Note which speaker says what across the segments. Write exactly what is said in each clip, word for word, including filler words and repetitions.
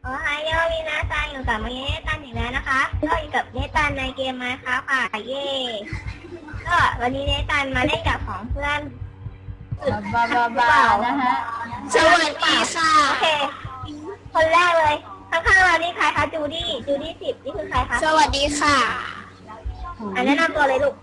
Speaker 1: โอ้ยยอมีนาซันอยู่กับมาเนตันอีกแล้วนะคะก็อยู่กับเนตันในเกมมาค่ะค่ะเย่ก็วันนี้เนตันมาเล่นกับของเพื่อน
Speaker 2: บาบาบานะฮะ
Speaker 3: สวัสดีค่ะ
Speaker 1: โอเคคนแรกเลยข้างๆเรานี่ใครคะจูดี้จูดี้สิบนี่คือใครคะ
Speaker 3: สวัสดีค่ะ
Speaker 1: อันแนะนำตัวเลยลูก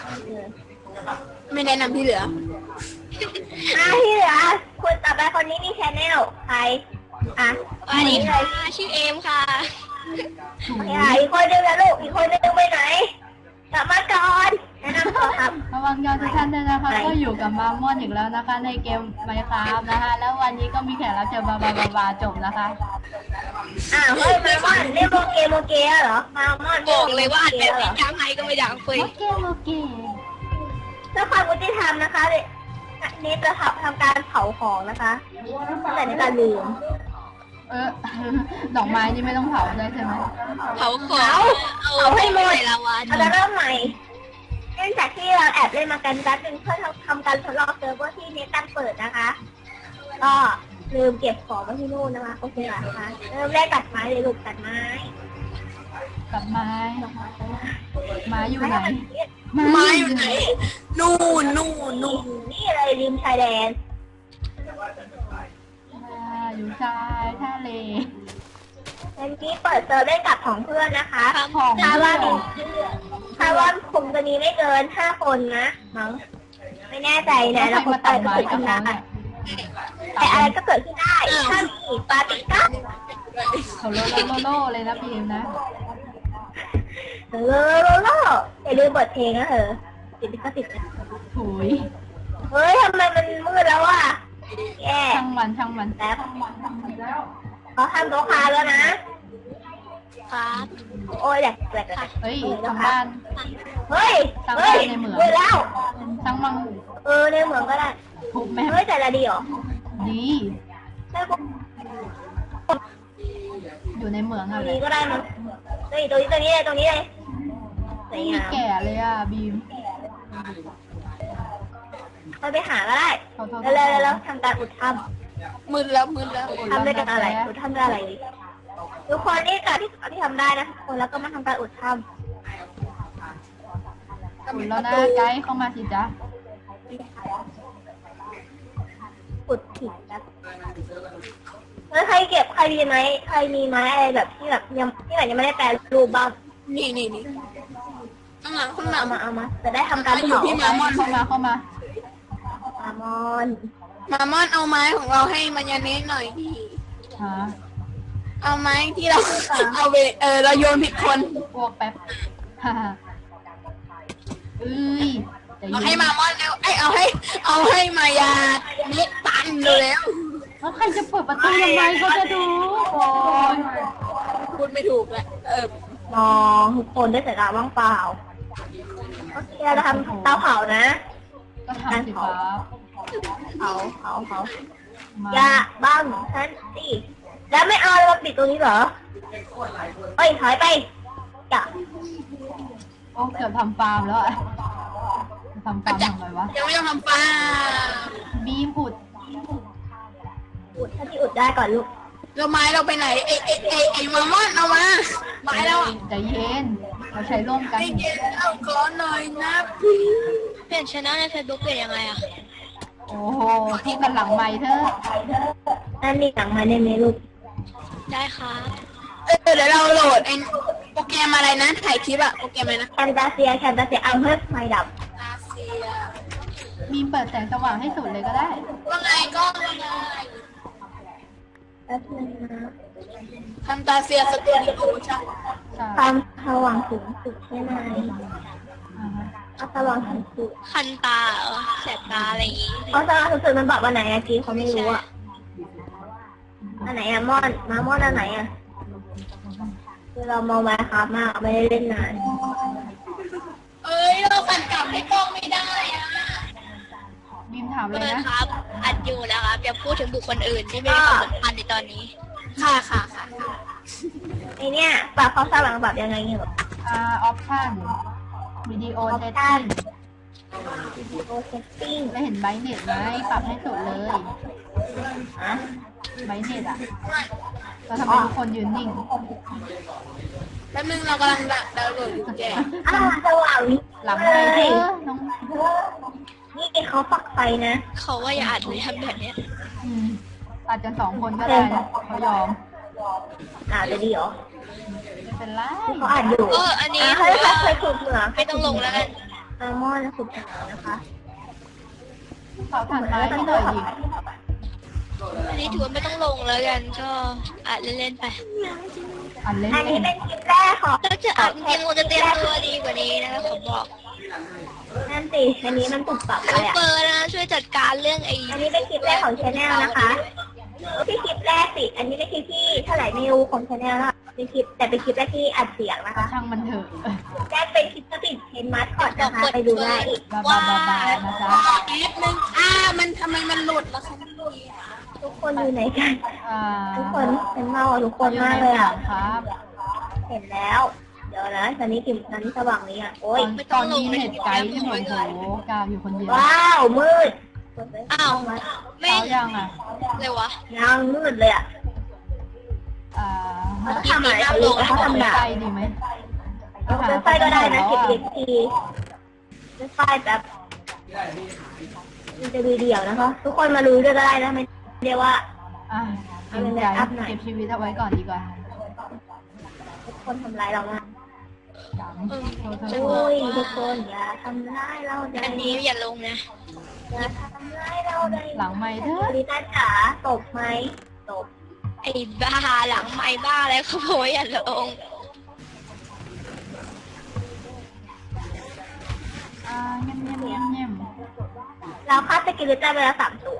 Speaker 3: ไม่แนะนำที่เหลือ
Speaker 1: อ่ะที่เหลือคุณต่อไปคนนี้มีชแนลใครอ่ะ
Speaker 3: สวัสดีค่ะชื่อเอมค่ะ
Speaker 1: อีกคนนึงนะลูกอีกคนนึงไปไหนกลับมาก่อนแนะนำตัวครับ
Speaker 2: ระวังยอดทุกท่านด้วยนะคะก็อยู่กับมามอนอีกแล้วนะคะในเกมไมค์คราฟนะคะแล้ววันนี้ก็มีแขกรับเชิญบาบาบาบาจบนะคะ
Speaker 1: อ้าวเฮ้ยมามอนเล่นโมเกโมเกเหรอมามอน
Speaker 3: บอกเลยว่าอัดแบบนี้ทำไงก็ไม่ดังเฟย
Speaker 2: โอเคโอเค
Speaker 1: ถ้าความยุติธรรมนะคะนี่จะทำทำการเผาของนะคะแต่ในการลืม
Speaker 2: เออดอกไม้นี่ไม่ต้องเผาได้ใช่ไหม
Speaker 3: เผาของ
Speaker 1: เอาให้หมด
Speaker 3: ละวัน
Speaker 1: เราจะเริ่มใหม่เนื่องจากที่เราแอบเล่นมากันแป๊บนึงเพื่อทำการทดลองเซิร์ฟเวอร์ที่เน็ตตั้งเปิดนะคะก็ลืมเก็บของไว้ที่นู่นนะคะโอเคค่ะนะคะเริ่มแรกตัดไม้เลยลูกตัดไม้
Speaker 2: ตัดไม้ไม้อยู่ไหน
Speaker 3: ไม้อยู่ไหนนู่นนู่นนู่น
Speaker 1: นี่เลยริมชายแดน
Speaker 2: อยู่ชายทะเล
Speaker 1: เมื่อกี้เปิดเซิร์ฟได้กับของเพื่อนนะคะ
Speaker 2: ของ
Speaker 1: ถ้าว่าถ้าว่าคงจะมีไม่เกินห้าคนนะมั้งไม่แน่ใจนะแล้วคนตายก็เกิดขึ้นได้แต่อะไรก็เกิดขึ้นได้ถ้ามีปาติก้า
Speaker 2: เขาโลโลโลเลยนะพี่เอ็มนะ
Speaker 1: โลโลโลอย่าลืมเปิดเพลงนะเถอะติดก็ติดนะ
Speaker 2: ถุย
Speaker 1: เฮ้ยทำไมมันมืดแล้วอ่ะแย่
Speaker 2: ช่างมันช่างมัน
Speaker 1: แป๊บเขาทำโต๊ะคาแล้วนะ
Speaker 3: ครับ
Speaker 1: โอ้ยแหลกแหลก
Speaker 2: เฮ้ยทำบ้าน
Speaker 1: เฮ้ยเฮ้ยในเหมืองแล้ว
Speaker 2: ช่างมัง
Speaker 1: เออในเหมืองก็ได้
Speaker 2: ถูกไหม
Speaker 1: เฮ้ยแต่ละดีเหรอ
Speaker 2: ดีอยู่ในเหมืองอะไร
Speaker 1: ก็ได้มั้งเฮ้ยตรงนี้ตรงนี้เลยตรงนี้เลย
Speaker 2: นี่แก่เลยอ่ะบีม
Speaker 1: เราไปหาก็ได้แล้วแล้วแล้วทำการอุดถ้
Speaker 3: ำมืดแล้วมืดแล้ว
Speaker 1: ทำได้กันอะไรอุดถ้ำได้อะไรทุกคนนี่การที่ที่ทำได้นะทุกคนแล้วก็มาทำการอุดถ้ำ
Speaker 2: อุดแล้วนะไกด์เข้ามาสิจ๊ะ
Speaker 1: อุดผิดนะแล้วใครเก็บใครมีไหมใครมีไม้อะไรแบบที่แบบยังที่แบบยังไม่ได้แปลรูปบ้าง
Speaker 3: นี่นี่นี่ข้างหลังข้างหลัง
Speaker 1: เอามาเอามาจะได้ทำการ
Speaker 3: อยู่พี่มามอน
Speaker 2: เข้ามาเข้ามาม
Speaker 1: อน
Speaker 3: มามอนเอาไม้ของเราให้มายาเนสหน่อยดิ
Speaker 2: ฮะ
Speaker 3: เอาไม้ที่เราเอาไปเออเราโยนผิดคน
Speaker 2: พวกแป๊บฮ่าเอ้ย
Speaker 3: เอาให้มามอนแล้วไอเอาให้เอาให้มายาเนสตันแล้ว
Speaker 2: แล้วใครจะเปิดประตูยังไงเขาจะดูโอ้ย
Speaker 3: พูดไม่ถูกแหละเออ
Speaker 1: มองทุกคนได้สายตาว่างเปล่าโอเคเราทำเตาเผานะ
Speaker 2: ก็ทำสิครับ
Speaker 1: เผาเผาเผาอย่าบ้างฉันสิแล้วไม่เอาเราปิดตัวนี้เหรอเอ้ยถอยไปจ้ะ
Speaker 2: โอ้เกือบทำฟาร์มแล้วอะทำฟาร์มทำไมวะ
Speaker 3: ยังไม่ต้องทำฟาร์ม
Speaker 2: บีมอุด
Speaker 1: อุดถ้าที่อุดได้ก่อนลูก
Speaker 3: เราไม้เราไปไหนเอเอเอไอมามอนเอามาไม้เรา
Speaker 2: ใจเย็นเราใช้ร่วมกัน
Speaker 3: ใจเย็นเอาก่อนหน่อยนะพี่
Speaker 1: เปลี่ยนชแนลในเฟซบุ๊กเปลี่ยนยังไงอะ
Speaker 2: โอ้โหที่กันหลังไม้เธอ
Speaker 1: นั่นมีหลังไม้ได้ไหมลูก
Speaker 3: ได้ค่ะเออเดี๋ยวเราโหลดไอโปรแกรมอะไรนะถ่ายคลิปอะโปรแกรมอะไรนะ
Speaker 1: แคนตาเซียแคนตาเซียเอาเพิ่มไฟดับ
Speaker 2: มีเปิดแสงสว่างให้สุดเลยก็ได้
Speaker 3: ว่าไงก็ว่าไง
Speaker 1: แป๊บนึงนะ
Speaker 3: คันตาเซียสตูดิโอใช่
Speaker 1: ความสว่างสูงสุดใช่ไหมเอาสว่างสูงสุด
Speaker 3: คันตาแสบตาอะไรอย่างงี้
Speaker 1: เอาสว่างสูงสุดมันบอกว่าไหนอะกี้เขาไม่รู้อะอันไหนอะมอนมามอนอันไหนอะคือเรามองมาครับมากไม่ได้เล่นนาน
Speaker 3: เอ้ยเราฝันกลับให้กล้องไม่ได้อะ
Speaker 2: บิมถามเลยนะครับ
Speaker 3: อัดอยู่นะครับอย่าพูดถึงบุคคลอื่นที่ไม่ได้ความสำคัญในตอนนี้ค่ะค่ะค่ะ
Speaker 1: ไอเนี้ยปรับเขาสว่างปรับยังไงเนี่ย
Speaker 2: อ่าออปชั่นวิดีโอเซตติ้ง
Speaker 1: วิดีโอเซตติ้ง
Speaker 2: ไม่เห็นไบเน็ตไหมปรับให้สุดเลย
Speaker 1: ฮะ
Speaker 2: ไบเน็ตอ่ะแล้วทำไมทุกคนยืนนิ่ง
Speaker 3: แป๊บนึงเรากำลังดาวน์โหลดอยู่แก
Speaker 1: อ่าสว่าง
Speaker 2: หลังไม่เธอน้อง
Speaker 1: นี่เขาปักไฟนะ
Speaker 3: เขาว่าอย่าอัดเลยทำแบบเนี้ย
Speaker 2: อืมอาจจะสองคนก็ได้นะเขายอม
Speaker 1: อ่าจะดีเหรอ
Speaker 2: ไม่เป็นไร
Speaker 1: เขาอ่านอยู่
Speaker 3: เอออันนี้
Speaker 1: อ่าเขาจะเคยขุดเหมือง
Speaker 3: ไม่ต้องลงแล้วกัน
Speaker 1: อัลมอนด์ขุดเหมืองนะคะ
Speaker 2: เขาผ่านไม้ให้หน่อยดิ
Speaker 3: อันนี้ถือว่าไม่ต้องลงแล้วกันก็อัดเล่นๆไป
Speaker 2: อันเล่น
Speaker 1: อัน
Speaker 2: เอ
Speaker 1: นี้
Speaker 2: ง
Speaker 1: เป็นคลิปแรกของ
Speaker 3: ถ้าจะอัดจริงๆคงจะเตรียมตัวดีกว่านี้นะคะผมบอก
Speaker 1: นั่นสิอันนี้มันถูกปรับเล
Speaker 3: เอา
Speaker 1: ยอ่ะ
Speaker 3: เปิดนะช่วยจัดการเรื่องไอ้
Speaker 1: อันนี้เป็นคลิปแรกของชาแนลนะคะไม่ใช่คลิปแรกสิ อันนี้เป็นคลิปที่เท่าไหร่ไม่รู้ของชาแนลนะคะเป็นคลิปแต่เป็นคลิปแรกที่อัดเสียงนะคะ
Speaker 2: ช่างมันเถอะ
Speaker 1: แรกเป็นคลิปสปิดเทนมัสก่อนนะคะไปดูได้
Speaker 2: บาบาบาบานะจ๊ะ
Speaker 3: แอปนึงอ่ามันทำไมมันหลุดล่ะคะ
Speaker 1: ทุกคนอยู่ไหนกัน
Speaker 2: อ่า
Speaker 1: ทุกคนเป็นเมาอ่ะทุกคน
Speaker 2: อยู่
Speaker 1: มาก
Speaker 2: ใน
Speaker 1: เลย
Speaker 2: หลั
Speaker 1: อ่ะ
Speaker 2: งครับ
Speaker 1: เห็นแล้ว เดี๋ยวนะตอนนี้กลิ่นตอนนี้สว่างนี้อ่ะโอ้ย
Speaker 2: ตอนนี้เน็ตไกด์ที่หนูโหกาวอยู่คนเดียว
Speaker 1: ว้าวมืด
Speaker 3: อ้าวแม่
Speaker 2: เช้าง ยังอ่ะ
Speaker 3: เลยวะ
Speaker 1: ยังมืดเลยอ่ะ
Speaker 2: อ่า
Speaker 1: เขาทำอะไรเขาลูกเขาทำหนา
Speaker 2: ไฟดีไหม
Speaker 1: เป็นไฟก็ได้นะเก็บเด็กทีเป็นไฟแบบมันจะดูเดี่ยวนะคะ ทุกคนมารู้ด้วยก็ได้นะไม่เรียกว่า
Speaker 2: อ่ะเก็บใจเก็บชีวิตเอาไว้ก่อนดีกว่า
Speaker 1: ทุกคนทำร้ายเรามาก
Speaker 2: จัง
Speaker 3: เออ
Speaker 2: โทษโท
Speaker 3: จะ
Speaker 2: ษ
Speaker 3: บ
Speaker 1: โอ้
Speaker 3: อก
Speaker 1: ยทุ
Speaker 3: ว่าก
Speaker 1: คนอย่าทำร้ายเราเลย
Speaker 3: อันนี้อย่าลงนะ
Speaker 1: อย่าทำร้ายเราเลย
Speaker 2: หลังไม่เถอะ
Speaker 1: ลิต้าจ๋าตบไหมตบ
Speaker 3: ไอ้บ้าหลังไม่บ้าแล้วเขาบอกว่าอย่าลง
Speaker 2: อ่าเงียบเงียบเงียบเงียบ
Speaker 1: เราฆ่าสกิลิต้าไปแล้วสามตัว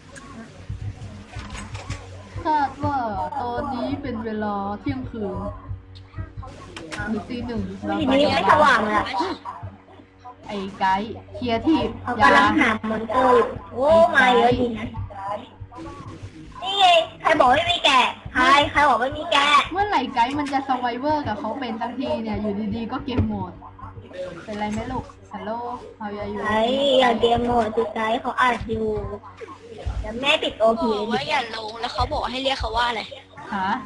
Speaker 2: คาดว่าตอนนี้เป็นเวลาเที่ยงคืนหรือตีหนึ่ง
Speaker 1: ทีนี้ไม่สว่างเลยอะ
Speaker 2: ไอ้ไกด์เคลียร์ที่
Speaker 1: เขา
Speaker 2: ยาก
Speaker 1: ำลังหามอนเตอร์อยู่โอ้มาเยอะจริงนะนี่ไงใครบอกไม่มีแกะใครใครบอกไม่มีแกะ
Speaker 2: เมื่อไหร่ไกด์มันจะสไวเวอร์กับเขาเป็นตั้งทีเนี่ยอยู่ดีๆก็เกมโหมด เป็นไรไหมลูกฮัลโหลเฮาอยู่
Speaker 1: ไอ้อย่าเกมโหมดสิไกด์เขาอัดอยู่เดี๋ยวแม่ปิดโอ
Speaker 3: บ
Speaker 1: พี
Speaker 3: อกว่าอย่าลงแล้วเขาบอกให้เรียกเขาว่าอะไร
Speaker 2: ฮะ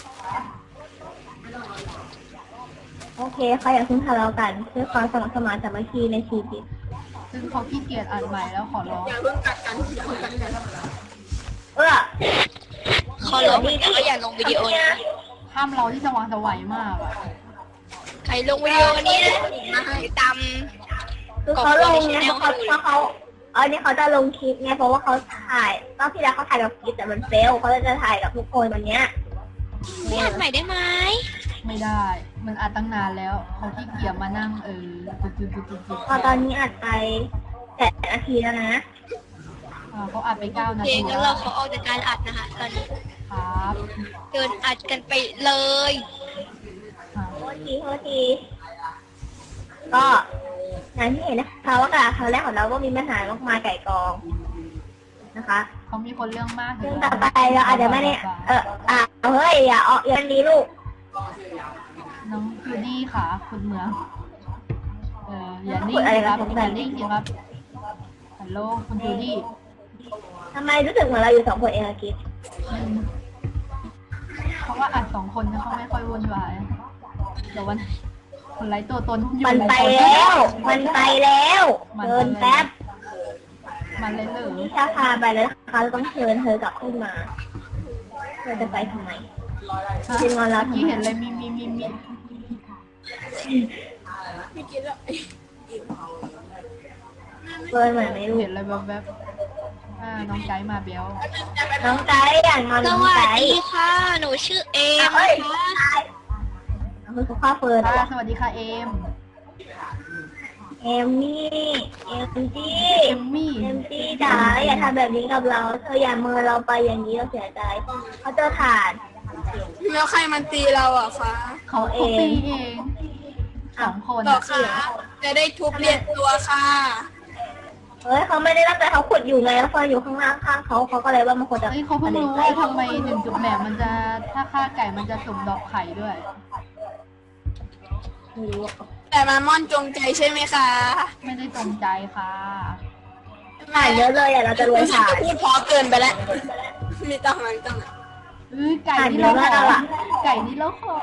Speaker 1: โอเคเขาอยากพึ่งทะเลาะกันเพื่อความสมัครสมานสามัคคีในชีวิต
Speaker 2: ซึ่งเขาขี้เกียจอ่านใหม่แล้วขอร้อง
Speaker 3: อย่าเพิ่งกัดกันอย่าเพิ่งกัดกัน
Speaker 1: เออ
Speaker 3: เขาลงแต่ก็อย่าลงวิดีโอนะ
Speaker 2: ห้ามเราที่สว่างสวัยมากอะ
Speaker 3: ใครลงวิดีโอนี้นะไปตาม
Speaker 1: คือเขาลงไงเพราะเขาเพราะเขาเออนี่เขาจะลงคลิปไงเพราะว่าเขาถ่ายรอบที่แล้วเขาถ่ายกับคลิปแต่มันเฟลเขาเลยจะถ่ายกับทุกคนวันเนี้ย
Speaker 3: ไม่อัดใหม่ได้ไหม
Speaker 2: ไม่ได้ มันอัดตั้งนานแล้วเขาขี้เกียจมานั่งเออจุดจุดจุดจุดจุด
Speaker 1: พอตอนนี้อัดไปแปดนาทีแล้วนะ
Speaker 2: อ่าเขาอัดไปเก้านา
Speaker 3: เพล
Speaker 2: ที
Speaker 3: ง
Speaker 2: แล้
Speaker 3: แล้ว วเราเขาออกจากการอัดนะคะตอนนี้
Speaker 2: ครับ
Speaker 3: เดินอัดกันไปเลย
Speaker 2: อ่า
Speaker 1: โทษทีโทษทีก็อย่างที่เห็นนะคะว่าการครั้งแรกของเราก็มีปัญหามากมายไก่กองนะคะ
Speaker 2: เขามีคนเรื่องมาก
Speaker 1: ซึ่งต่อไปเราอาจจะไม่ได้เอออ่ะเฮ้ยอย่าเอาอย่างนี้ลูก
Speaker 2: น้องจูดี้ค่ะคุณเมืองเอออย่านิ่งสิครับอย่านิ่งสิครับฮัลโหลคุณจูดี้
Speaker 1: ทำไมรู้สึกเหมือนเราอยู่สองคนเองอะกิ๊ฟ
Speaker 2: อืมเพราะว่าอัดสองคนนะเขาไม่ค่อยวุ่นวายเดี๋ยววันคนไร้ตัวตนอยู่
Speaker 1: มันไป
Speaker 2: คน
Speaker 1: แล้ว มันไปแล้วเดินแป๊บ
Speaker 2: มันเลยเหรอ
Speaker 1: นี่ถ้าพาไปแล้วนะคะเราต้องเชิญเธอกลับขึ้นมาเธอจะไปทำไม
Speaker 2: ฮะ
Speaker 1: จริงๆแล้ว
Speaker 2: เมื่อกี้เห็นอะไรมีมีมีมี
Speaker 3: ไม่กินแล้ว
Speaker 1: เกินเหมือนไม่รู้
Speaker 2: เห็นอะไรแบบแบบๆอ่าน้องไกด์มาเบล
Speaker 1: น้องไก่อย่างงอน
Speaker 3: ส
Speaker 1: น้อง
Speaker 3: วัส
Speaker 1: ไก่
Speaker 3: ดีค่ะ หนูชื่อเอม
Speaker 1: เอ้ย
Speaker 3: นะคะ
Speaker 1: คือสุภาพเฟิร์น
Speaker 2: ค่ะสวัสดีค่ะเอม
Speaker 1: เอมมี่เอมจี้
Speaker 2: เอมมี่
Speaker 1: เอมจี้จ๋าอย่าทำแบบนี้กับเราเธออย่าเมินเราไปอย่างนี้เราเสียใจเขาเจอถ่าน
Speaker 3: แล้วใครมันตีเราอ่ะคะ
Speaker 1: เขาเอ
Speaker 2: เขาตี
Speaker 1: ง
Speaker 2: เองสองคน
Speaker 3: หรอ
Speaker 2: อะ
Speaker 3: คะจะได้ทุบเรียนตัวค่ะ
Speaker 1: เฮ้ยเขาไม่ได้ตั้งใจเขาขุดอยู่ไงแล้วเฟิร์นอยู่ข้างล่างข้างเขาเขาก็เลยว่ามันควรจะ
Speaker 2: เฮ้ยเขาเพิ่งรู้ว่าทำไมหนึ่งจุดแหมมันจะถ้าฆ่าไก่มันจะสุ่มดอกไข่ด้วย
Speaker 1: ไม่รู้อะ
Speaker 3: แต่มาม่อนจงใจใช่ไหมคะ
Speaker 2: ไม่ได้จงใจค่ะ
Speaker 1: ถ่านเยอะเลยอ่ะเราจะรวย
Speaker 3: รู้สึก
Speaker 1: ถ่าน
Speaker 3: จะพูดเพอเกินไปแล้ว มีต้องนั้นต้องนั้น
Speaker 2: เออไก่นี่เราขอไก่นี่เราขอ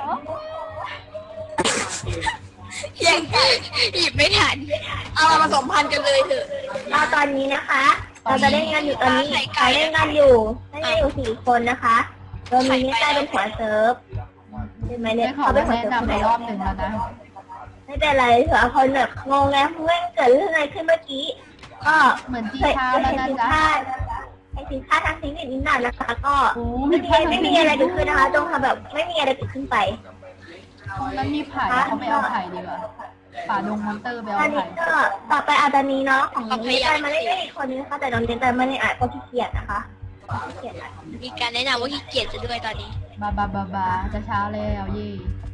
Speaker 3: ยังหยิบไม่ทัน เอามาผสมพันธุ์กันเลยเถอะ
Speaker 1: เราตอนนี้นะคะ เราจะเล่นกันอยู่ตอนนี้เราเล่นกันอยู่เล่นกันอยู่สี่คนนะคะโดยมีนิต้าเป็นหัวเซิร์ฟใช่ไหมเนี่ย
Speaker 2: ได้ขอ
Speaker 1: เขาเป็นหัว
Speaker 2: แนะ
Speaker 1: เซิร์ฟคน
Speaker 2: นำ
Speaker 1: ไห
Speaker 2: ไป
Speaker 1: น
Speaker 2: รอบหนึ่งแล้วนะ
Speaker 1: ไม่เป็นไรเถอะคนแบบงงแล้วเมื่อเกิดเรื่องอะไรขึ้นเมื่อกี้ก็
Speaker 2: เหมือนจี
Speaker 1: เคย
Speaker 2: ช้า
Speaker 1: เคย
Speaker 2: แล้ว
Speaker 1: เห็น
Speaker 2: นะ
Speaker 1: สิน
Speaker 2: จ๊ะ
Speaker 1: ค้าไอสินค้าทางเทคนิคนิดหน่อยนะคะ ก็
Speaker 2: โอ้
Speaker 1: ไม่มี
Speaker 2: พลาด
Speaker 1: ไม่มีอะไรเกิดขึ้นนะคะจงทำแบบไม่มีอะไรเกิดขึ้นไป
Speaker 2: มันมีไผ่เขาไม่เอาไผ่ดีกว่าป่าดงมอนเตอร์ไป
Speaker 1: ตอ
Speaker 2: เอา
Speaker 1: นนี้
Speaker 2: ไผ่
Speaker 1: ก็ต่อไปอาจจะมีเนาะของน้องเนตมาเล่นได้อีกคนนึงนะคะแต่น้องเนตไม่ได้อ่านก็ขี้เกียจนะคะขี้เกียจอ่ะ
Speaker 3: มีการแนะนำว่าขี้เกียจจะด้วยตอนนี้
Speaker 2: บาบาบาบาจะเช้าแล้วเย่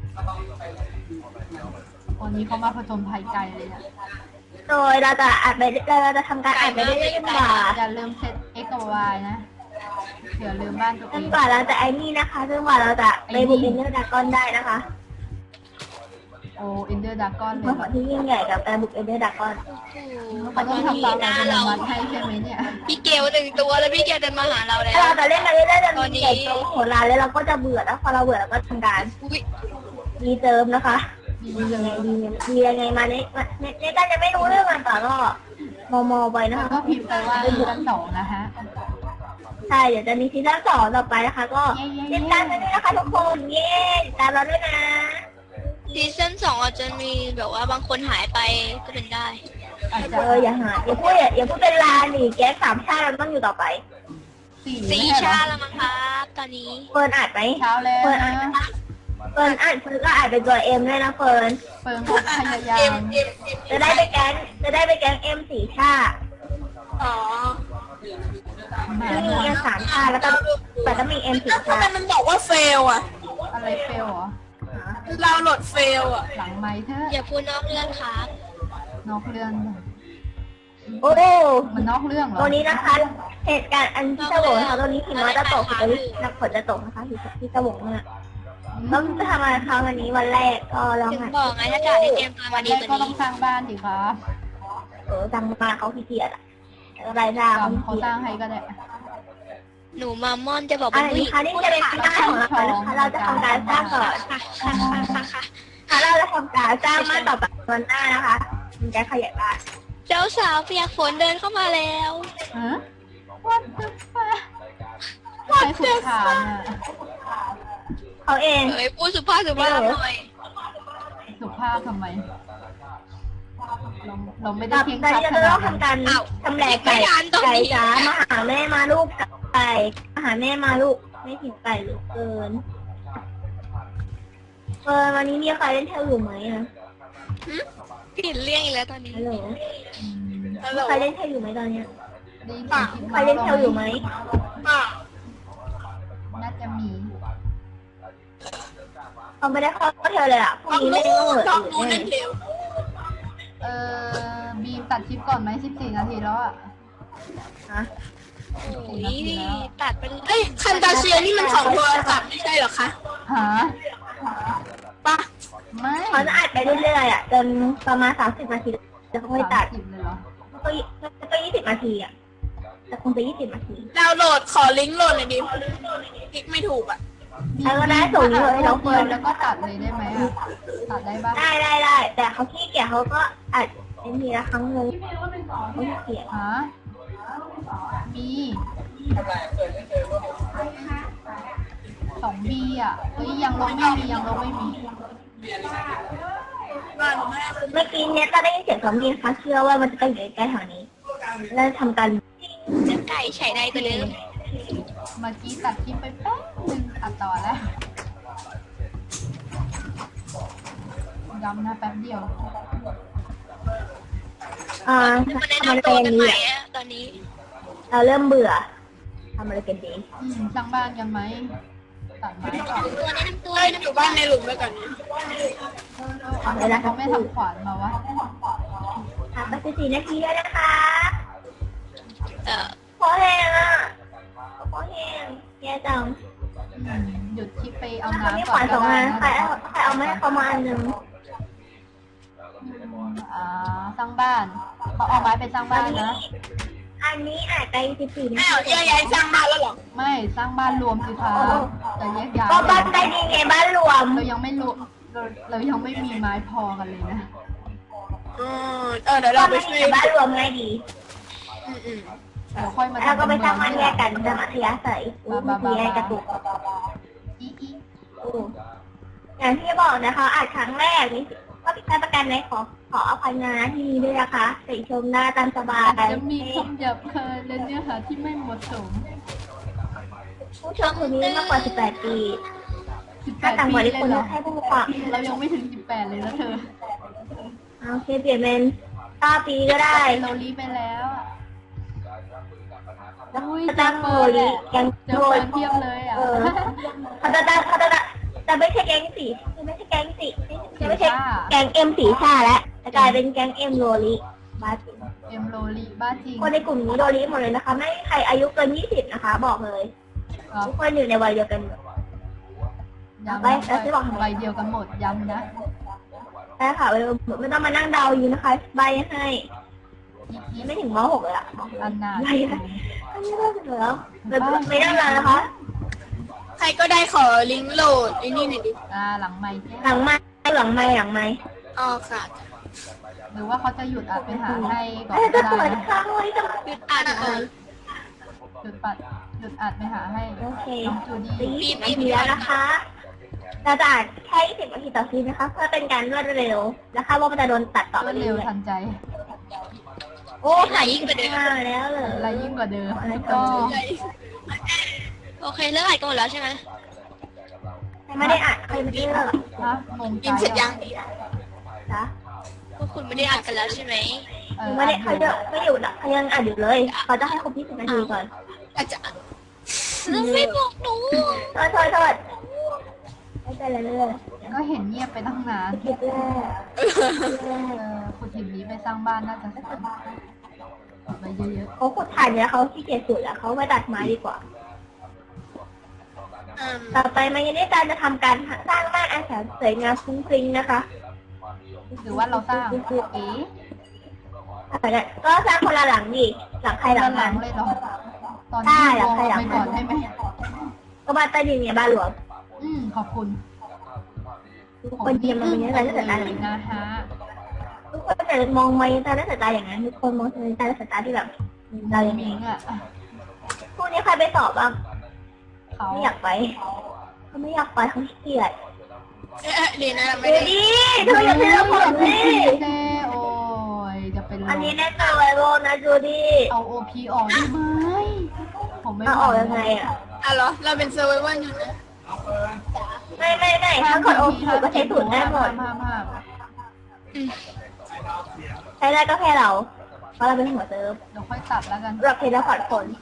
Speaker 2: วันนี้เขามาผจญภัยไกลเลยเนี่ย
Speaker 1: โดยเราจะอัดไปเราจะทำการอัดไปเรื่อยๆจนกว่า
Speaker 2: อย่าลืมเซต x กับ y นะเผื่อลืมบ้านตัว
Speaker 1: จ
Speaker 2: เอน ง
Speaker 1: กว่าเราจะไอ้นี่นะคะจนกว่าเราจะไปบุกเอ็นเดอร์ดากอนได้นะคะ
Speaker 2: โอ้เอนเดอร์ดากอนเล
Speaker 1: เมื่อย ขอที่ยิ่งใหญ่กับการบุกเอ็นเดอร์ดากอน
Speaker 2: เขาต้องทำตามเราจะมัดให้ใช่ไหมเนี่ย
Speaker 3: พี่เกลหนึ่งตัวแล้วพี่เกลเดินมาหาเราแล้ว
Speaker 1: ถ้าเราจะเล่นไปเรื่อยๆจะมีเกมโตโหดร้ายแล้วเราก็จะเบื่อแล้วพอเราเบื่อเราก็ทำการ
Speaker 3: อุ๊ย
Speaker 1: รีเติมนะคะ
Speaker 2: มี
Speaker 1: ดี
Speaker 2: เล
Speaker 1: ยังไง
Speaker 2: ย
Speaker 1: ดีดียังไงมาเนี่ยเนี่ยเนี่ยก็จะไม่รู้เรื่องมันต่อก็มอมอไปนะ
Speaker 2: แล้ว
Speaker 1: คะ
Speaker 2: ก็พิมพ์ไปว่าซีซั่นสองนะฮะ
Speaker 1: ใช่เดี๋ยวจะมีซีซั่นสองต่อไปนะคะ ก็
Speaker 2: เย้ๆๆ
Speaker 1: ติดตามกันด้วยนะคะทุกคนเย้ติดตามเราด้วยนะ
Speaker 3: ซีซั่นสองอาจจะมีแบบว่าบางคนหายไปก็เป็นได้
Speaker 2: อาจ
Speaker 1: เอ
Speaker 2: จะ
Speaker 1: ออย่าหาอย่าพูดอย่าอย่าพูดเป็นลาหนิแก๊สสามชาติมันต้องอยู่ต่อไป
Speaker 2: สี่
Speaker 3: สี่
Speaker 2: ไม่ใช่
Speaker 3: ชา
Speaker 2: เหรอ
Speaker 3: แล้วมั้งครับตอนนี้
Speaker 1: เฟิร์นอ่านไหม
Speaker 2: เช้าแล้ว
Speaker 1: เฟิร์นอ่าน
Speaker 2: นะ
Speaker 1: เฟิร์นอ่านเฟิร์นก็อ่านเป็นตัวเอ็มด้วยนะเฟิร์น
Speaker 2: เปิงเขาพยายา
Speaker 3: เอ็
Speaker 2: ม
Speaker 3: มเอ็มเอ็ม
Speaker 1: จะได้ไปแก๊งจะได้ไปแก๊งเอ็มสี่ชาติ
Speaker 3: อ๋อ
Speaker 2: มา
Speaker 1: ที่มีเอ็มสามชาติแล้วก็แต่ก็มีเอ็มสี่
Speaker 3: ทำ
Speaker 1: ชา
Speaker 3: ไม
Speaker 1: ติ
Speaker 3: มันบอกว่าเฟลอ่ะ
Speaker 2: อะไรเฟลเหรอ
Speaker 3: เราโหลดเฟลอ่ะ
Speaker 2: หลังไม้เธอ
Speaker 3: อย่าพูดนอกเรื่องครับ
Speaker 2: นอกเรื่อง
Speaker 1: โอ้
Speaker 2: มันนอกเรื่องเหรอ
Speaker 1: ตัวนี้นะคะเหตุการณ์อันที่ตะโหวนะคะตัวนี้หิมะจะตกตัวนี้นักฝนจะตกนะคะที่ที่ตะโหวเนี่ยต้องจะทำอะไรคะวันนี้วันแรกก็ลอง
Speaker 3: ถึง
Speaker 1: หัด
Speaker 3: บอกไงถ้าจ่าได้เตรียมตัว
Speaker 2: วั
Speaker 3: มาน ดี
Speaker 2: แรก
Speaker 3: กว่า
Speaker 2: ก็ต้อ
Speaker 3: นี้
Speaker 2: งสร้างบ้านดิครับ
Speaker 1: เออจังมาเขาขี้เกียจอะอะไรจ้าเขา
Speaker 2: กำ
Speaker 1: ขี้
Speaker 2: เขา
Speaker 1: เกีย
Speaker 2: ส
Speaker 1: จ
Speaker 2: ร้างให้ก็ได้
Speaker 3: หนูมามอนจะบอก
Speaker 1: อั
Speaker 3: เป็น นผู้ห
Speaker 1: นี้
Speaker 3: ญิง
Speaker 1: ค่ะนี่จะเป็นหน้าของเรานะคะเราจะทำการสร้างก่อน
Speaker 3: ค่ะค่ะค่ะค่ะค่ะ
Speaker 1: ค่ะเราจะทำการสร้างบ้านต่อไปวันหน้านะคะมันจะขยายบ้าน
Speaker 3: เจ้าสาวเปียกฝนเดินเข้ามาแล้ว
Speaker 2: ฮะ What the fuck ใช้ขุดขานอ่ะ
Speaker 1: เขาเอง
Speaker 3: เอ้ยพูดสุภาพสุภาพหน่อย
Speaker 2: สุภาพทำไม เราเราไม่ได้
Speaker 1: ต่อ
Speaker 2: เพียง
Speaker 1: ไป
Speaker 2: ชัด
Speaker 1: เรา
Speaker 2: ข
Speaker 1: จะ
Speaker 2: นา
Speaker 1: ต้อ
Speaker 2: ด
Speaker 1: ง
Speaker 2: นั้น
Speaker 1: ทำการทำแหลกไก่ไก่จ๋ามาหาแม่มาลูกไก่มาหาแม่มาลูกไม่ถึงไก่เหลือเกินเออวันนี้มีใครเล่นเทลอยู่ไหมอะ
Speaker 3: เปลี่ยนเรื่องอีกแล้วตอนนี้
Speaker 1: ฮัลโหล
Speaker 2: อืม
Speaker 3: ฮัลโหล
Speaker 1: ใครเล่นเทลอยู่ไหมตอนเนี้ย
Speaker 2: ได้ยินเสียงคลิป
Speaker 1: ใครเล่นเทลอยู่ไหม
Speaker 3: อ่ะ
Speaker 2: น่าจะมี
Speaker 1: เขาไม่ได้เข้าเทลเลยอ่ะพรุ่งนี้ไม่ได้เข้าเลย
Speaker 3: น้องนู้น
Speaker 1: แน่
Speaker 3: เล่นเร็ว
Speaker 2: เออบีมตัดคลิปก่อนไหมสิบสี่นาทีแล้วอ่ะ
Speaker 1: ฮะ
Speaker 3: โอ้ยตัดไปเลยเอ้ยคันตาเชียนี่มันของโทรศัพท์ไม่ใช่เหรอคะ
Speaker 2: หา
Speaker 3: ปะ
Speaker 2: ไม่
Speaker 1: เขาจะอัดไปเรื่อยๆอ่ะจนประมาณสามสิบนาทีแล้วเขาไม่ตัด
Speaker 2: สามสิบเลยเหรอ
Speaker 1: ก็ยี่ก็ยี่สิบนาทีอ่ะแต่คงจะยี่สิบนาที
Speaker 3: ดาวน์โหลดขอลิงก์โหลดหน่อยดิคลิกไม่ถูกอ่ะ
Speaker 1: แล้วก็ได้ส่งเลยให้น้องเฟิร์น
Speaker 2: แล้วก็ตัดเลยได้ไหมอ่ะ ตัดได้ปะ
Speaker 1: ได้ได้ได้แต่เขาขี้เกียจเขาก็อัดเป็นทีละครั้งนึงเขาขี้เกียจ
Speaker 2: ฮะมีสองบีอ่ะเฮ้ยยังลงไม่มียังลงไม่มี
Speaker 3: ว่าหนูแม่
Speaker 1: เมื่อกี้เนี่ยก็ได้ยินเสียงซอมบี้นะคะเชื่อว่ามันจะต้องอยู่ใกล้ๆแถวนี้แล้วทำการ
Speaker 3: จะไก่ไฉในตัวเดิม
Speaker 2: เมื่อกี้ตัดคลิปไปแป๊บนึงตัดต่อแล้วย้ำนะแป๊บเดียว
Speaker 1: อ่า
Speaker 3: มาแนะ
Speaker 1: ทำอะไร
Speaker 3: นำตัว
Speaker 1: กัน
Speaker 3: กัน
Speaker 1: ดี
Speaker 3: ใหม่
Speaker 1: อ่ะ
Speaker 3: อะตอนนี้
Speaker 1: เราเริ่มเบื่อทำอะไรกันดี
Speaker 2: อืมสร้างบ้านกันไหมตัดไม้ก่อน
Speaker 3: ตัวแนะนำตัวเอ้ยอยู่บ้านในหลุมไปก่อน
Speaker 1: เอาเลยนะครั
Speaker 2: เขา
Speaker 1: บ
Speaker 2: ไม่ทำขวานมาวะ
Speaker 1: อ่ะไปสิบสี่นาทีแล้วนะคะ
Speaker 3: เอ่อ
Speaker 1: พอแห้งอ่ะพอแห้งแย่จัง
Speaker 2: อืมหยุดคลิปไปเอา
Speaker 1: ถ้าเขาไม่
Speaker 2: น้ำ
Speaker 1: ข
Speaker 2: ก่อ
Speaker 1: วาน นส
Speaker 2: ก็
Speaker 1: อง
Speaker 2: ได้
Speaker 1: อัน
Speaker 2: นะ
Speaker 1: ใครเอาใครเอามาให้เขามาอันหนึ่ง
Speaker 2: อ่าสร้างบ้านเขาเอาไม้ไปสร้างบ้านนะ
Speaker 1: ออันนี้อาจไปสิบสี่นา
Speaker 3: อ้าว
Speaker 1: ที
Speaker 3: แยกย้ายสร้างบ้านแล้วเหรอ
Speaker 2: ไม่สร้างบ้านรวมสิคะจะแยกย้าย
Speaker 1: ก็บ้านใต้ดินไงบ้านรวม
Speaker 2: เรายังไม่รู้เราเรายังไม่มีไม้พอกันเลยนะ
Speaker 3: อืมเออเดี๋ยวเราไปช่วย
Speaker 1: บ้านรวมง่ายดี
Speaker 3: อืมอืม
Speaker 2: เดี๋ยวค่อยมา
Speaker 1: แล้วก็ไปสร้าง
Speaker 2: เมื
Speaker 1: บ้านแยกกันจะมัธยาศัยอู้มีแยกกระตุก
Speaker 2: อีอี
Speaker 1: อู้อย่างที่บอกนะคะอาจครั้งแรกนี่ก็ผิดพลาดประการใดขอขออภัยนะที่นี้ด้วยนะคะติชมหน้าตามสบาย
Speaker 2: อาจจะมีคำหยาบคายและเนื้อหาที่ไม่เหมาะสม
Speaker 1: ผู้ชมคนนี้มากกว่าสิบแปดปี
Speaker 2: สิบแป
Speaker 1: ถ้า
Speaker 2: ด
Speaker 1: ต่าง
Speaker 2: ปี
Speaker 1: กว่า
Speaker 2: เล
Speaker 1: ที่
Speaker 2: ย
Speaker 1: คน
Speaker 2: เหรอ
Speaker 1: ให้ผู้ฟัง
Speaker 2: เรายังไม่ถึงสิบแปดเลยนะเธอ
Speaker 1: โอเคเปลี่ยนเป็นเก้าปีก็ได้
Speaker 2: โลลีไปแล้วอะอุ้ย
Speaker 1: จะ
Speaker 2: เจอ
Speaker 1: ตั้งโม
Speaker 2: เฟิร์น
Speaker 1: ลิแกง
Speaker 2: เจอ
Speaker 1: โม
Speaker 2: เฟิ
Speaker 1: ลิ
Speaker 2: ร์นเทียบเลยอ่ะ
Speaker 1: เออเขาจะตั้งเขาจะตั้งแต่ไม่ใช่แก๊งสีไม่ใช่แก๊งสีไม่ใช่แก๊งเอ็มสีชาแล้วจะกลายเป็นแก๊งเอ็มโรลิบ้าจริง
Speaker 2: เอ็มโลลีบ้าจริง
Speaker 1: คนในกลุ่มนี้โรลิหมดเลยนะคะ ไม่มีใครอายุเกินยี่สิบนะคะ บอกเลย
Speaker 2: ครับ
Speaker 1: ทุกคนอยู่ในวัยเดียวกันหมด
Speaker 2: ย้ำ
Speaker 1: ไป
Speaker 2: นะ
Speaker 1: แล้วจะบอกทำไม
Speaker 2: ใบเดียวกันหมดย้ำนะ
Speaker 1: ใช่ค่ะไม่ต้องมานั่งเดาอยู่นะคะ ใบให้
Speaker 2: อีอี
Speaker 1: ไม่ถึงมหกเลยอะบอกเลย
Speaker 2: อันนา
Speaker 1: ใบให้อันนี้ได้เหรอไม่ไม่ได้เลยนะคะ
Speaker 3: ใครก็ได้ขอลิงก์โหลดไอ้นี่หน่อยดิ
Speaker 2: อ่าหลังไม้แจ้
Speaker 1: หลังไม้หลังไม้หลังไม้
Speaker 3: อ๋อค่ะ
Speaker 2: หรือว่าเขาจะหยุดอัดไปหาให้ก่อน
Speaker 1: เอ้ย
Speaker 2: ก็
Speaker 1: จะ
Speaker 2: ได้
Speaker 1: เปิด
Speaker 2: นะ
Speaker 1: ค้างไว้จะ
Speaker 3: หยุดอ่านก่อน
Speaker 2: หยุดปัดหยุดอัดไปหาให้
Speaker 1: โอเค
Speaker 2: น้องจูดี้
Speaker 1: สีนาทีแล้วนะคะเราจะอ่านแค่ยี่สิบนาทีต่อซีนนะคะ เพื่อเป็นการรวดเร็วและคาดว่ามันจะโดนตัดต่อ
Speaker 2: ร
Speaker 1: ไป
Speaker 2: วด
Speaker 1: เรื่
Speaker 2: เร็ว
Speaker 1: อย
Speaker 2: ทันใจ
Speaker 1: ๆโอ้ถ่ายยิ่งไปห้าแล้วเลย
Speaker 2: อะไรยิ่งกว่าเดิม
Speaker 1: อะไร
Speaker 2: ก็
Speaker 3: โอเคเลิกอ่านกันหมดแล้วใช่ไหม
Speaker 1: ไม่ได้อ่านใครไม่ได้เลิก
Speaker 2: ฮะงงใจ
Speaker 3: ยินเสร็จยัง
Speaker 1: นะ
Speaker 3: พวกคุณไม่ได้อ่านกันแล้วใช่ไหม
Speaker 2: เออ
Speaker 1: ไม่ได้เขาเยอะไม่อยู่นะเขายังอ่านอยู่เลยเขาจะให้ครบยี่สิบนาทีก่อน
Speaker 3: อาจารย์ไม่บอกหนู
Speaker 1: โทษโทษโทษไม่เป็นไรเลย
Speaker 2: ก็เห็นเงียบไปตั้งนาน
Speaker 1: คิดแรก
Speaker 2: เออคุณทีมนี้ไปสร้างบ้านน่าจะสวยไปเยอะ
Speaker 1: เขาขุดถ่านเนี่ยเขาขี้เกียจสุดแล้วเขาไปตัดไม้ดีกว่า
Speaker 3: อืม
Speaker 1: ต่อไปมันยังได้การจะทำการสร้างบ้านอาศัยสวยงามฟุ้งฟริ้งนะคะ
Speaker 2: ๆหรือว่าเราสร้างเอ๊ะ
Speaker 1: ก็สร้างคนละหลังดิหลังใครหลัง
Speaker 2: หลั
Speaker 1: มั
Speaker 2: ง
Speaker 1: น
Speaker 2: เลยเหรอตอน
Speaker 1: ใช่
Speaker 2: ที่
Speaker 1: หลั
Speaker 2: ว
Speaker 1: ง
Speaker 2: ง
Speaker 1: ใครหลั
Speaker 2: เอา
Speaker 1: ง
Speaker 2: ไปก่อนได้ไหม
Speaker 1: ก็บ้านใต้ดินเนี่ยบ้านหลวง
Speaker 2: อืมขอบคุณ
Speaker 1: ทุกคนเตรียมมาเป็นยังไงก็สายตาอย่าง
Speaker 2: นะ
Speaker 1: นั้น
Speaker 2: ฮะ
Speaker 1: ทุกคนจะมองมาตาและสายตาอย่างนั้นทุกคนมองตาและสายตาที่แบบเราอย่าง
Speaker 2: มิ
Speaker 1: นี้
Speaker 2: งอ่ะ
Speaker 1: พวกนี้ใครไปสอบบ้าง
Speaker 2: เขา
Speaker 1: ไม่อยากไปเขาไม่อยากไปเขาขี้เกียจ
Speaker 3: เอ๊ะดีนะเราไม่
Speaker 1: ดู
Speaker 3: ได้
Speaker 1: ดิเธออย่าเพิ่งผมดิ
Speaker 2: เซ่โอ้ยจะเป็นลม
Speaker 1: อันนี้แน่นอนไวโรนะดูดิ
Speaker 2: เอาโอพีออกได้ไหมผมไม่
Speaker 1: เอาออกยังไงอ่ะ
Speaker 3: อ่ะเหรอเราเป็นเซอร์ไวเวอร์อยู่นะ
Speaker 1: ไม่ไม่ไม่ถ้ากดโอพีก็ใช้สูตรได้หมด
Speaker 2: ห้ามห้าม
Speaker 3: อืม
Speaker 1: ใช้ได้ก็แค่เรา เพราะเราเป็นหัวเซิร์ฟ
Speaker 2: เดี๋ยวค่อยตัดแล้วกัน
Speaker 1: เราเพลย์พอร์ตคน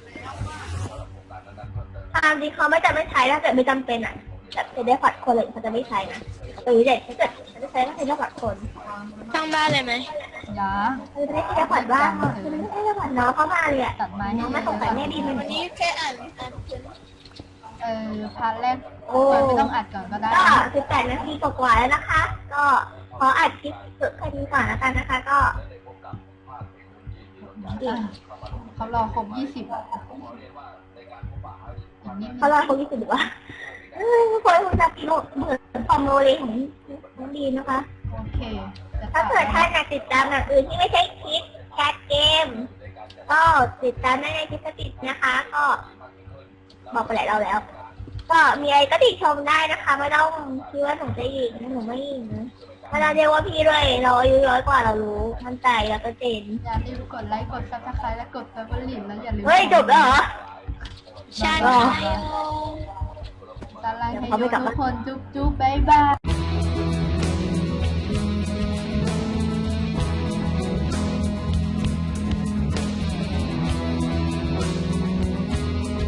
Speaker 1: ตามจริงเขาไม่จะไม่ใช้ถ้าเกิดไม่จำเป็นอ่ะแบบเพลย์พอร์ตคนเลยเขาจะไม่ใช้นะหรือเด็กถ้าเกิดเขาจะใช้ก็เพลย์พอร์ตคน
Speaker 3: สร้างบ้านเลยไหม
Speaker 2: ยา
Speaker 1: เขาจะไม่เพลย์พอร์ตบ้างเขาจะไม่เพลย์พอร์ตน้องเข้ามาเลยอ่ะ
Speaker 2: ตัดไม้ให้
Speaker 1: น้องไม่สงสัยแม่ดีมัน
Speaker 3: วันนี้แค่อ่านอ่านเขียน
Speaker 2: เออพาร์ทแรก
Speaker 1: โอ้
Speaker 2: ไม่ต้องอัดก่อนก็ได้
Speaker 1: ก็สิบแปดนาทีกว่าๆแล้วนะคะ ก็ขออัดคลิปสุดแค่นี้ก่อนแล้วกันนะคะ ก็
Speaker 2: อ่ะเขารอครบยี่สิบอีกนิดนึ
Speaker 1: เขา
Speaker 2: ง
Speaker 1: รอคนที่สุดดีกว่าเอ้ยคนคุณจะพิมพ์เหมือนความโมเลของน้องดีนะคะ
Speaker 2: โอเคจะ
Speaker 1: ถ้าเกิดท่านอยากติดตามอย่างอื่นที่ไม่ใช่คลิปแคสเกม ก็ติดตามได้ในคลิปสติดนะคะ ก็ บอกไปหลายเราแล้ว ก็มีอะไรก็ติชมได้นะคะ ไม่ต้องคิดว่าหนูจะหญิงนะหนูไม่หญิงนะไม่ต้องเรียกว่าพี่ด้วยเราอายุร้อยกว่าเรารู้มั่นใจแล้วก็เจน
Speaker 2: อย่าลืมกดไลค์กดซับสไครต์และกดเฟเวอร์ลินแล้วอย่าลืม
Speaker 1: เฮ้ยจบแล้วเหรอ
Speaker 3: ใช่
Speaker 1: อ๋อ
Speaker 3: ใช่
Speaker 2: ตาลายให้ทุกคนจุ๊บจุ๊บบ๊ายบาย